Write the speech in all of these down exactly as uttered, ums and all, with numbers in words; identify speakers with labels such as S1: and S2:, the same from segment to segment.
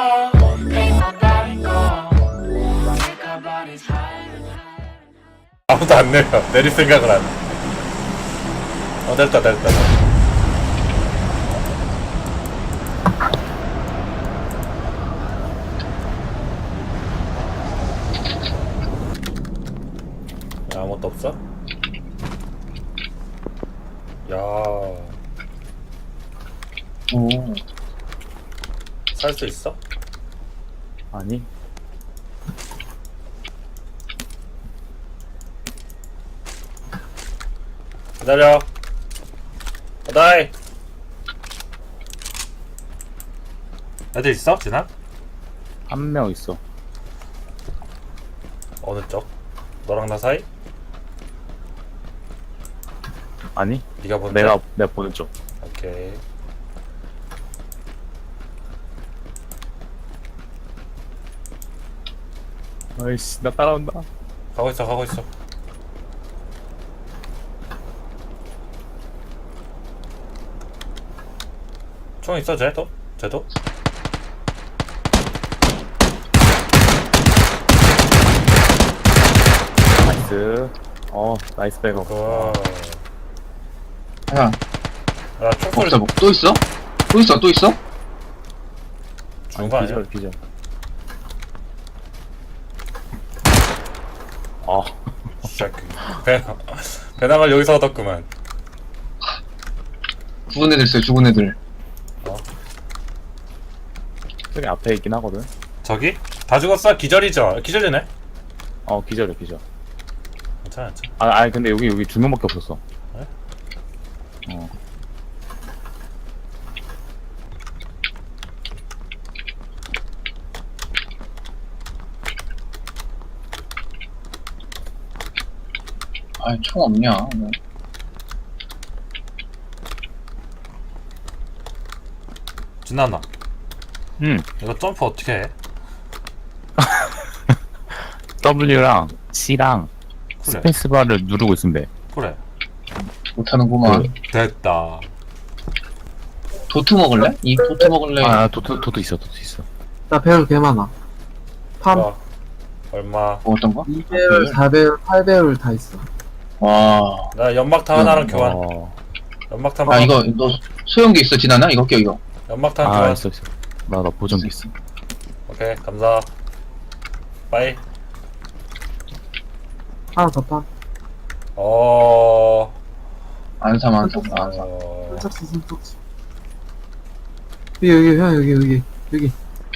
S1: 아무도 안 내려. 내릴 생각을 안 해. 어, 됐다, 됐다. 야, 아무것도 없어? 야,
S2: 오.
S1: 살 수 있어?
S3: 아니
S1: 기다려. 어다이. 애들 있어? 진아?
S3: 한 명 있어.
S1: 어느 쪽? 너랑 나 사이?
S3: 아니
S1: 네가 보는
S3: 내가
S1: 쪽?
S3: 내가 보는 쪽.
S1: 오케이.
S3: 아이씨 나 따라온다.
S1: 가고 있어, 가고 있어. 총 있어, 쟤도? 쟤도?
S3: 나이스. 어 나이스 백업.
S1: 그거.
S2: 야,
S1: 야, 총소리
S2: 없어, 뭐, 또 있어? 또 있어, 또 있어?
S1: 죽은 거 아니야?
S3: 기절 기절. 아
S1: 진짜 그 배, 배낭을 여기서 얻었구만.
S2: 죽은 애들 있어요, 죽은 애들.
S3: 저기 앞에 있긴 하거든.
S1: 저기? 다 죽었어? 기절이죠? 기절이네?
S3: 어 기절해 기절.
S1: 괜찮아, 괜찮아.
S3: 아 아니 근데 여기 여기 두 명밖에 없었어.
S1: 그래?
S3: 어.
S2: 아이, 총 없냐. 뭐.
S1: 진나나,
S3: 음
S1: 이거 점프 어떻게 해?
S3: W랑 C랑
S1: 그래,
S3: 스페이스바를 누르고 있으면 돼.
S1: 그래.
S2: 못하는구만.
S3: 그-
S1: 됐다.
S2: 도트 먹을래? 이 도트 먹을래?
S3: 아 도트 도트 있어 도트 있어.
S4: 나 배율 개 많아. 팜
S1: 어, 얼마?
S2: 뭐 어떤 거?
S4: 이 배율, 사 배율, 팔 배율 다 있어.
S2: 와.
S1: 나 연막탄 하나랑 교환.
S3: 어.
S1: 연막탄
S2: 아,
S1: 하나.
S2: 이거, 너 소형기 있어, 지나나? 이거 껴, 이거.
S1: 연막탄
S3: 아
S1: 교환.
S3: 있어 있어. 나 나 보정기 있어.
S1: 오케이, 감사. 빠이.
S4: 하나 더 팜.
S1: 어,
S2: 안 삼, 안 삼, 안 삼.
S1: 어,
S4: 손톱치, 손톱치. 여기, 여기, 형, 여기, 여기, 여기.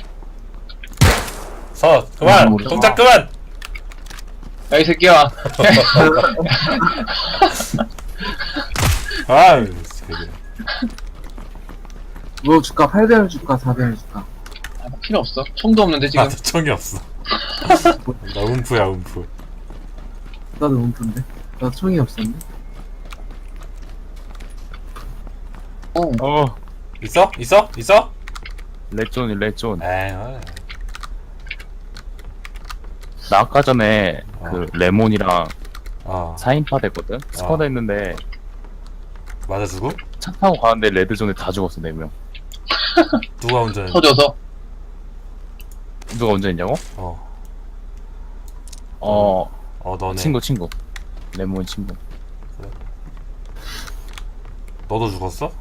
S1: 서, 그만!
S2: 음,
S1: 동작 그만!
S2: 야, 이 새끼야.
S1: 아유, 새끼.
S4: 뭐 줄까? 팔 배율 줄까? 사 배율 줄까?
S2: 아, 필요 없어. 총도 없는데, 지금.
S1: 나도 총이 없어. 나 움프야, 움프.
S4: 나도 움픈데. 나 총이 없었는데.
S2: 어.
S3: 어
S1: 있어? 있어? 있어?
S3: 레존이 레존.
S1: 에이, 어.
S3: 나 아까 전에
S1: 어.
S3: 그 레몬이랑
S1: 어,
S3: 사 인파 됐거든? 스쿼드 했는데
S1: 맞아주고?
S3: 차 타고 가는데 레드존에 다 죽었어 네 명.
S1: 누가 운전해?
S2: 터져서.
S3: 누가 운전했냐고?
S1: 어,
S3: 어
S1: 어, 너네.
S3: 친구 친구 레몬 친구.
S1: 너도 죽었어?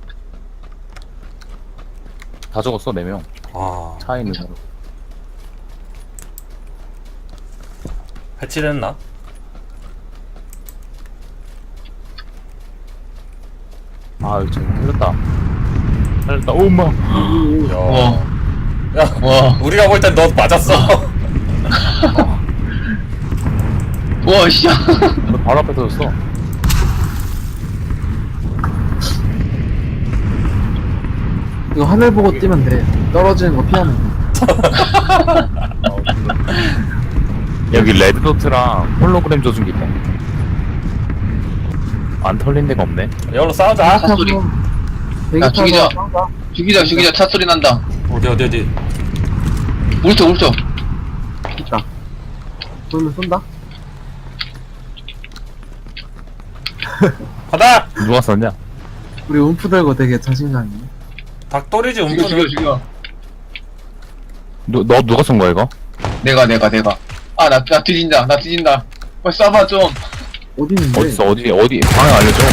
S3: 다 죽었어 네 명.
S1: 아,
S3: 차에 있는 사람.
S1: 해치됐나?
S3: 아 여기 저기 살렸다 살렸다. 오 엄마.
S1: 야,
S2: 와.
S1: 야,
S2: 와.
S1: 우리가 볼 땐 너 맞았어.
S2: 와, 씨.
S3: 너 바로 앞에 터졌어.
S4: 이거 하늘 보고 뛰면 돼. 떨어지는 거 피하면 돼.
S3: 여기 레드도트랑 홀로그램 조준기 있다. 안 털린 데가 없네.
S1: 여기로 싸우자.
S2: 차 소리.
S4: 대기
S2: 야,
S4: 타고
S2: 죽이자.
S4: 싸우자.
S2: 죽이자, 죽이자. 차 소리 난다.
S1: 어디, 어디, 어디.
S2: 울적, 울적.
S4: 있다. 그러면 쏜다?
S1: 가다!
S3: 누가 썼냐?
S4: 우리 움프 들고 되게 자신감 있네.
S1: 닭돌이지,
S2: 죽여, 죽여,
S1: 움프는.
S2: 죽여.
S3: 누, 너 누가 쏜 거야 이거?
S2: 내가 내가 내가 아 나 나 뒤진다 나 뒤진다 빨리 쏴봐 좀
S4: 어디 있는데?
S3: 어딨어 어디 어디 방향 알려줘.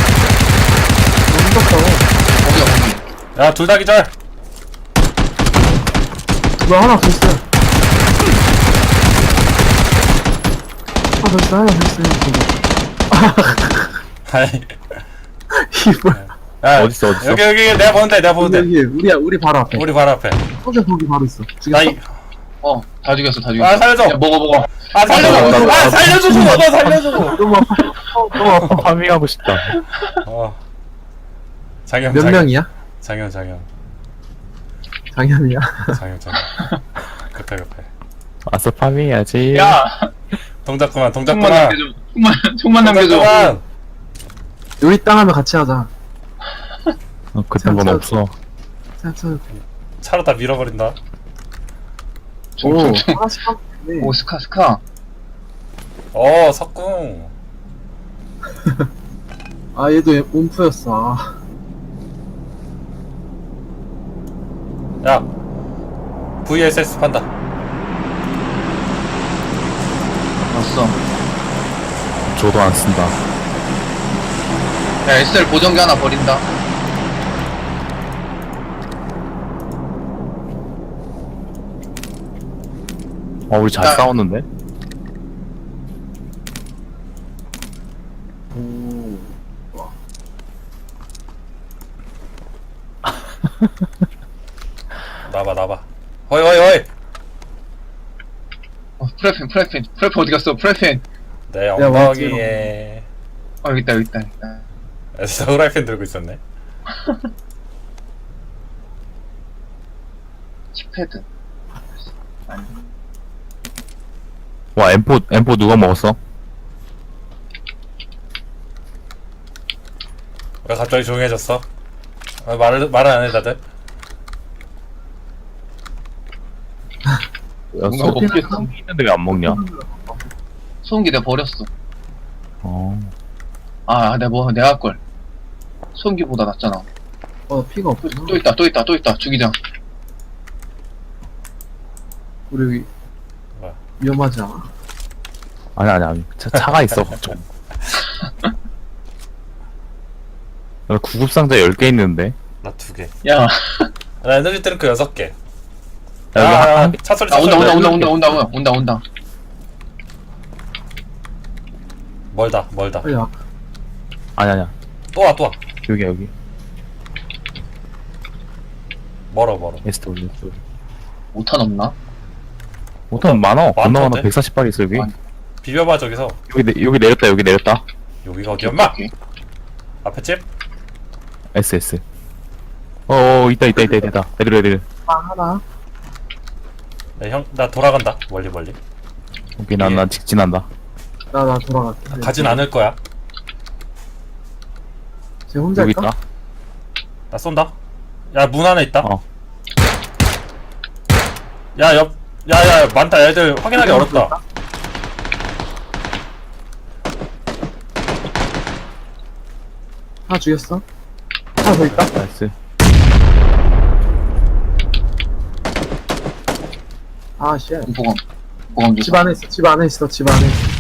S4: 너무 무섭다.
S2: 거기야 거기
S1: 야, 둘 다 기절.
S4: 너 하나 더 있어. 하나 더 있어, 하나 더 있어.
S1: 아이,
S4: 이 뭐야?
S1: 야,
S3: 어딨어, 어딨어?
S1: 여기, 여기, 내가 보는데, 내가 보는데.
S4: 여기, 우리, 우리 바로 앞에.
S1: 우리 바로 앞에.
S4: 혼자 거기 바로 있어.
S1: 나
S4: 죽였어?
S1: 이,
S2: 어다 죽였어 다 죽였어
S1: 아, 살려줘.
S2: 야, 먹어 먹어
S1: 아, 살려줘.
S3: 나, 나, 나,
S1: 아, 살려주고, 너 살려주고.
S4: 너무 아파. 너무 아파.
S3: 파밍하고 싶다.
S1: 어. 장현,
S4: 몇
S1: 장현.
S4: 명이야?
S1: 장현, 장현.
S4: 장현이야.
S1: 장현, 장현. 급해, 급해.
S3: 아싸 파밍해야지.
S2: 야
S1: 동작 그만, 동작
S2: 총만
S1: 그만.
S2: 남겨줘 총만 총만
S1: 동작
S2: 남겨줘
S1: 그만.
S4: 우리 땅 하면 같이 하자.
S3: 어, 그딴 건
S4: 참,
S3: 없어.
S4: 생각해.
S1: 차로 다 밀어버린다.
S4: 오,
S2: 총총총
S4: 하나씩 하면 되네.
S2: 오 스카 스카
S1: 어, 석궁.
S4: 아, 얘도 옴프였어. 아.
S1: 야, 브이에스에스 판다.
S2: 왔어
S3: 저도 안 쓴다.
S2: 야 에스엘 보정기 하나 버린다
S3: 어 우리 잘
S2: 야.
S3: 싸웠는데?
S4: 오.
S1: 나봐, 나봐. 허이, 허이, 허이.
S2: 어 프레펜 프레펜 프레펜 어디 갔어 프레펜
S1: 내
S4: 야,
S1: 엉덩이에.
S2: 어 여기 있다 여기 있다 여기 있다
S1: 에스 후라이팬 들고 있었네.
S2: 칩패드 아니
S3: 와 엠포 엠포 누가 먹었어?
S1: 왜 갑자기 조용해졌어? 아, 말을, 말을 안 해, 다들?
S3: 야,
S2: 뭔가
S3: 소피
S2: 먹겠어.
S3: 있는데 왜 안 먹냐?
S2: 소음기 내가 버렸어
S3: 어.
S2: 아 내가 뭐 내가 할걸 소음기보다 낫잖아
S4: 어, 피가
S2: 또,
S4: 없구나.
S2: 또 있다 또 있다 또 있다 죽이자
S4: 우리 위-
S1: 뭐야?
S4: 위험하지 않아?
S3: 아니 아니 아니 차, 차가 있어 걱정. 나 구급상자 열 개 있는데.
S1: 나 두 개.
S2: 야
S1: 나 에너지 드링크 여섯 개.
S3: 야, 여기
S1: 야,
S3: 한-
S1: 야,
S3: 한 개-
S1: 차 소리,
S2: 아,
S1: 차
S2: 온다
S1: 소리.
S2: 온다 온다 온다 온다 온다 온다 온다
S1: 멀다, 멀다.
S4: 빨리 와.
S3: 아니 아니야
S1: 또 와, 또 와.
S3: 여기 여기
S1: 멀어, 멀어.
S3: 에스트 올려 에스트 올려.
S2: 오탄 없나?
S3: 오탄 많어. 겁나 많아.
S1: 많던데?
S3: 백사십 발 있어 여기.
S2: 아니.
S1: 비벼봐, 저기서.
S3: 여기 내, 여기 내렸다 여기 내렸다.
S1: 여기가 어디야, 마
S2: 오케이.
S1: 앞에 집?
S3: S S. 어어 있다 있다 있다 있다. 애들 애들.
S4: 아, 하나.
S1: 네, 형, 나 돌아간다. 멀리, 멀리.
S3: 오케이 난난 직진한다.
S4: 나, 나 돌아갈게.
S1: 가진 않을 거야.
S4: 쟤 혼자
S3: 여기
S4: 있다?
S3: 있다.
S1: 나 쏜다. 야, 문 안에 있다.
S3: 어.
S1: 야, 옆, 야, 야, 많다. 애들 확인하기 어렵다.
S4: 하나 죽였어? 하나 더 있다?
S3: 나이스.
S4: 아, 씨.
S2: 보검 보검
S4: 집
S2: 주사
S4: 안에 있어, 집 안에 있어, 집 안에 있어.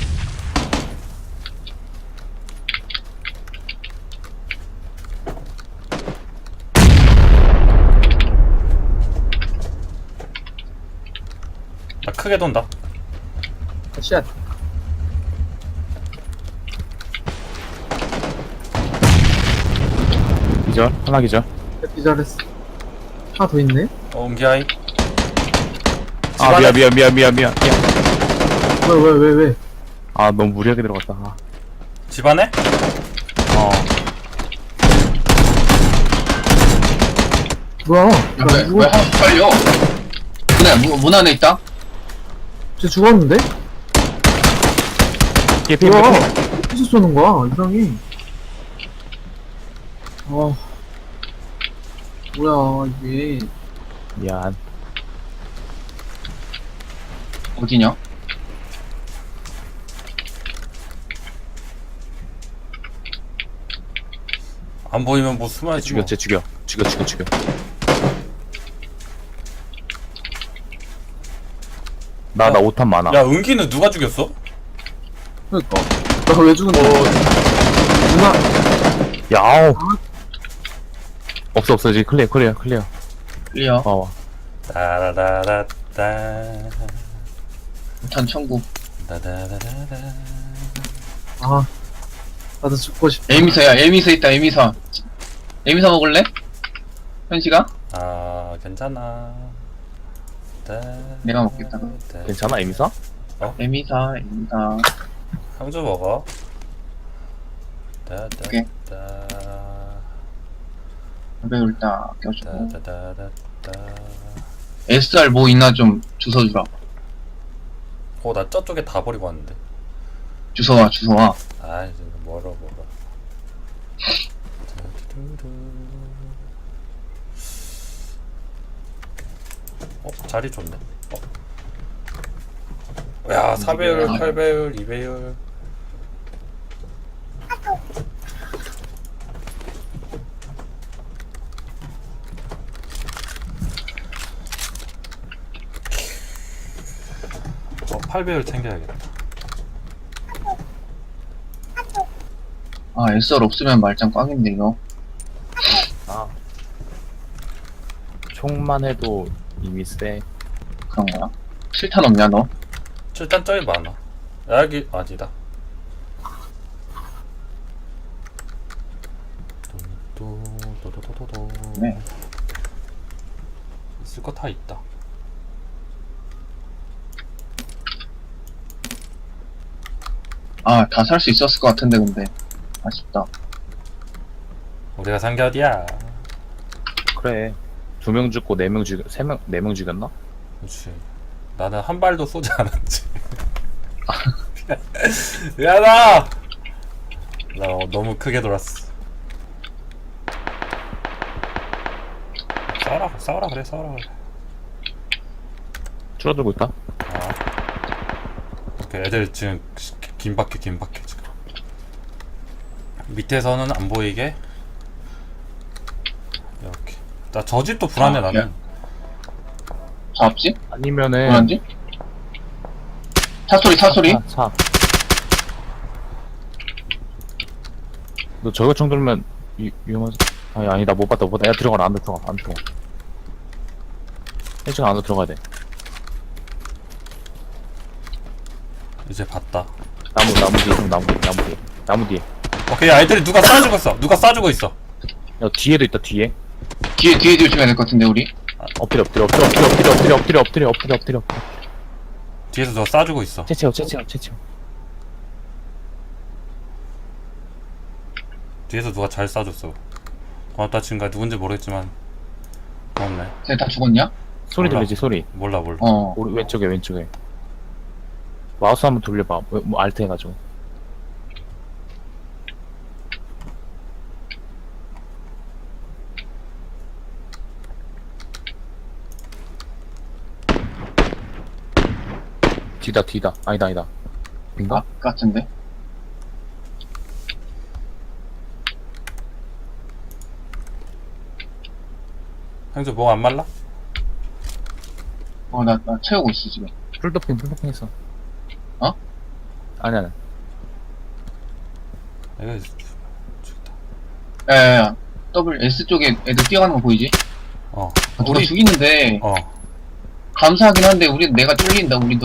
S1: 나 크게 돈다.
S4: 아, 쉣.
S3: 기절 하나 기절.
S4: 기절했어. 하나 더 있네?
S1: 어, 옮기하이.
S3: 아 미안 미안 미안 미안 미안. 미안.
S4: 왜, 왜, 왜, 왜?
S3: 아 너무 무리하게 들어갔다. 아.
S1: 집 안에?
S3: 어.
S4: 뭐야? 나
S2: 왜,
S4: 누구,
S2: 왜 하나 빨려 문에 문, 문 안에 있다
S4: 쟤 죽었는데?
S3: 피해 피해
S4: 뭐야?
S3: 피해.
S4: 어디서 쏘는 거야? 이상해. 어. 뭐야, 이게.
S3: 미안.
S2: 어디냐?
S1: 안 보이면 뭐 숨어야지.
S3: 죽여
S1: 뭐.
S3: 쟤 죽여. 죽여 죽여 죽여. 나 나 오탄 많아.
S1: 야 은기는 누가 죽였어?
S4: 그니까. 나 왜 죽은데? 누나,
S3: 야오. 없어 없어 이제 클리어 클리어 클리어.
S2: 클리어.
S3: 와 와.
S1: 따라라라따
S2: 전 천국.
S1: 따다다다다.
S4: 아. 나도 죽고 싶다.
S2: 에미서야, 에미서 있다, 에미서. 에미서 먹을래? 현식아?
S1: 아 괜찮아. 따-
S2: 내가 먹겠다.
S1: 따-
S3: 괜찮아 에미사?
S2: 에미서, 에미서.
S1: 형주 먹어.
S2: 오케이.
S1: 따다다
S2: 배울 딱 껴주고.
S1: 따다다다다.
S2: 에스알 뭐 있나 좀 주워주라.
S1: 어나 저쪽에 다 버리고 왔는데.
S2: 주워와, 주워와.
S1: 아 이제 멀어 멀어. 어 자리 좋네. 어. 야 사 배율, 팔 배율, 이 배율. 어 팔 배율 챙겨야겠다.
S2: 아, 에스알 없으면 말짱 꽝인데, 이거.
S3: 아. 총만 해도 이미 세.
S2: 그런 거야? 칠탄 없냐, 너?
S1: 일단 저기 많아. 여기 아니다. 또또또또또
S2: 네.
S1: 있을 거 다 있다.
S2: 아, 다 살 수 있었을 것 같은데, 근데. 아쉽다.
S1: 우리가 산 게 어디야?
S3: 그래. 두 명 죽고 네 명 죽, 세 명, 네 명 죽였나?
S1: 그렇지. 나는 한 발도 쏘지 않았지. 미안하다. 나 어, 너무 크게 돌았어. 싸워라, 싸워라 그래, 싸워라 그래.
S3: 줄어들고 있다.
S1: 아. 오케이, 애들 지금 긴박해, 긴박해 지금. 밑에서는 안 보이게 이렇게. 나 저 집도 불안해.
S2: 아,
S1: 나는.
S2: 잡지?
S3: 아니면은.
S2: 뭐란지? 차소리, 차소리?
S3: 차, 차. 너 저거 총 들면 위, 위험하지? 아니 아니다 못 봤다 못 봤다. 야 들어가라 안으로 들어가 안으로 들어가. 일찍 안으로 들어가야 돼.
S1: 이제 봤다.
S3: 나무 나무 뒤에 형 나무 뒤에 나무 뒤에 나무 뒤에.
S1: 오케이, 야, 애들이 누가 쏴주고 있어. 누가 쏴주고 있어.
S3: 야 뒤에도 있다 뒤에.
S2: 뒤에, 뒤에 조심해야 될 것 같은데, 우리?
S3: 엎드려 엎드려 엎드려 엎드려 엎드려 엎드려 엎드려 엎드려 엎드려 엎드려 엎드려.
S1: 뒤에서 누가 쏴주고 있어.
S3: 채채워 채채워 채채워.
S1: 뒤에서 누가 잘 쏴줬어. 고맙다 친구야. 누군지 모르겠지만 고맙네.
S2: 쟤 다 죽었냐?
S3: 소리
S1: 몰라.
S3: 들리지 소리.
S1: 몰라 몰라.
S2: 어.
S3: 오른 왼쪽에 왼쪽에. 마우스 한번 돌려봐. 뭐, 뭐 알트 해가지고. 뒤다 뒤다. 아니다 아니다. 인가?
S2: 아, 같은데?
S1: 형주 뭐 안 말라?
S2: 어, 나, 나 채우고 있어, 지금.
S3: 풀도핑 풀도핑 했어.
S2: 어?
S3: 아니 아니.
S1: 이거 죽다.
S2: 야, 야, 야. W, S 쪽에 애들 뛰어가는 거 보이지?
S1: 어.
S2: 아, 누가 죽이는데,
S1: 어.
S2: 감사하긴 한데, 우리, 내가 쫄린다, 우리도.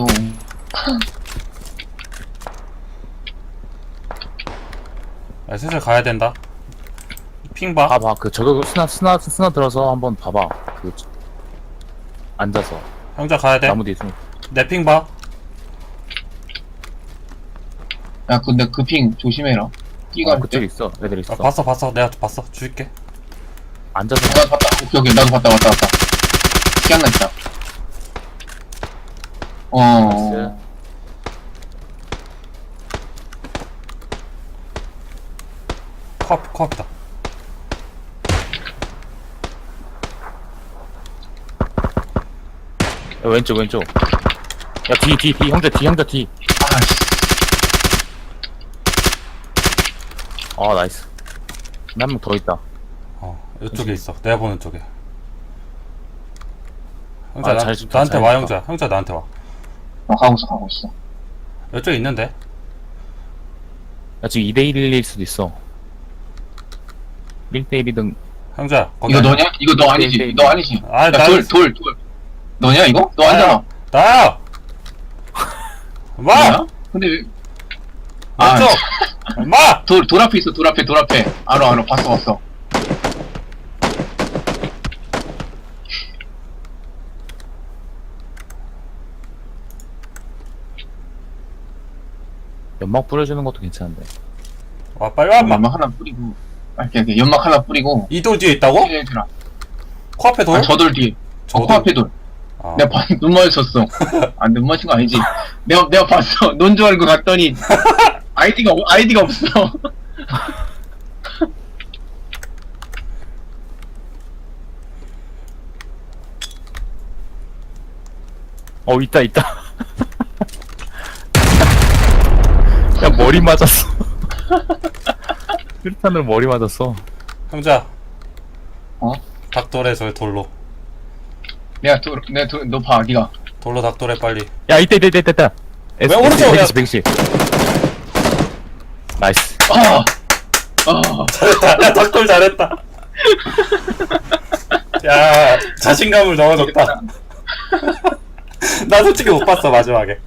S1: 야, 슬슬 가야 된다. 핑 봐.
S3: 봐봐 그 저거 스나 스나 스나 들어서 한번 봐봐. 그 앉아서
S1: 형자 가야 돼.
S3: 나무 뒤에 숨.
S1: 내 핑 봐.
S2: 야, 근데 그 핑 조심해라. 뛰가
S3: 어,
S2: 할
S3: 그쪽에
S2: 때.
S3: 있어. 애들 있어.
S1: 어, 봤어 봤어. 내가 봤어. 줄게.
S3: 앉아서.
S2: 나도 봤다. 오케이, 오케이. 나도 봤다, 봤다, 봤다. 기억나 있다. 어.
S3: 나이스.
S1: 코앞 코앞이다.
S3: 야, 왼쪽 왼쪽. 야 뒤 뒤 뒤 형제 뒤 형제 뒤.
S2: 아, 씨.
S3: 아 나이스. 한 명 더 있다.
S1: 어. 이쪽에 있어. 내가 보는 쪽에. 형자
S3: 아,
S1: 나,
S3: 잘 죽다,
S1: 나한테
S3: 잘
S1: 와
S3: 죽다.
S1: 형자. 형자 나한테 와.
S2: 어, 가고 있어, 가고 있어.
S1: 이쪽에 있는데?
S3: 야, 지금 이 대 일일 수도 있어. 일 대 일이든.
S1: 형자 거기
S2: 이거
S1: 아니야?
S2: 너냐? 이거 너 아니지?
S3: 네, 네,
S2: 너 아니지?
S1: 아,
S2: 야,
S1: 나
S2: 돌,
S1: 아니지.
S2: 돌, 돌. 너냐, 이거? 너 아니잖아.
S1: 나야! 마!
S2: 뭐야? 근데 왜? 아,
S1: 왼쪽! 마!
S2: 돌, 돌 앞에 있어, 돌 앞에, 돌 앞에. 알아, 알아, 봤어, 봤어.
S3: 연막 뿌려주는 것도 괜찮은데.
S1: 와 빨리 와 인마.
S2: 연막 하나 뿌리고. 아, 오케이, 오케이. 연막 하나 뿌리고.
S1: 이 돌 뒤에 있다고?
S2: 얘들아.
S1: 코앞에 돌?
S2: 아, 저돌 뒤에.
S1: 저
S2: 어,
S1: 돌.
S2: 코앞에 돌.
S1: 아.
S2: 내가 봐, 눈 마주쳤어. 아, 눈 마주친 거 아니지? 내가, 내가 봤어. 넌 줄 알고 갔더니. 아이디가, 없- 아이디가 없어.
S3: 어, 있다, 있다. 야, 머리 맞았어. 수류탄으로 머리 맞았어.
S1: 형자
S2: 어?
S1: 닭돌에 저 돌로
S2: 내가 돌, 내가 돌, 너 봐, 니가.
S1: 돌로 닭돌에 빨리.
S3: 야, 이때, 이때, 이때, 이때.
S1: 왜 오른쪽이야?
S3: 백십, 백십. 나이스.
S2: 아! 아!
S1: 잘했다. 닭돌 잘했다. 야 자신감을 넣어줬다. 나 솔직히 못 봤어 마지막에.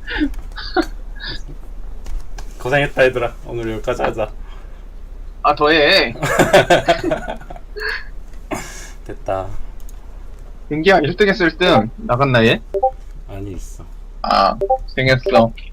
S1: 고생했다 얘들아. 오늘 여기까지 하자.
S2: 아, 더해.
S1: 됐다.
S2: 민기야, 일 등 했을 때 나갔나, 얘?
S1: 아니 있어.
S2: 아, 고생했어.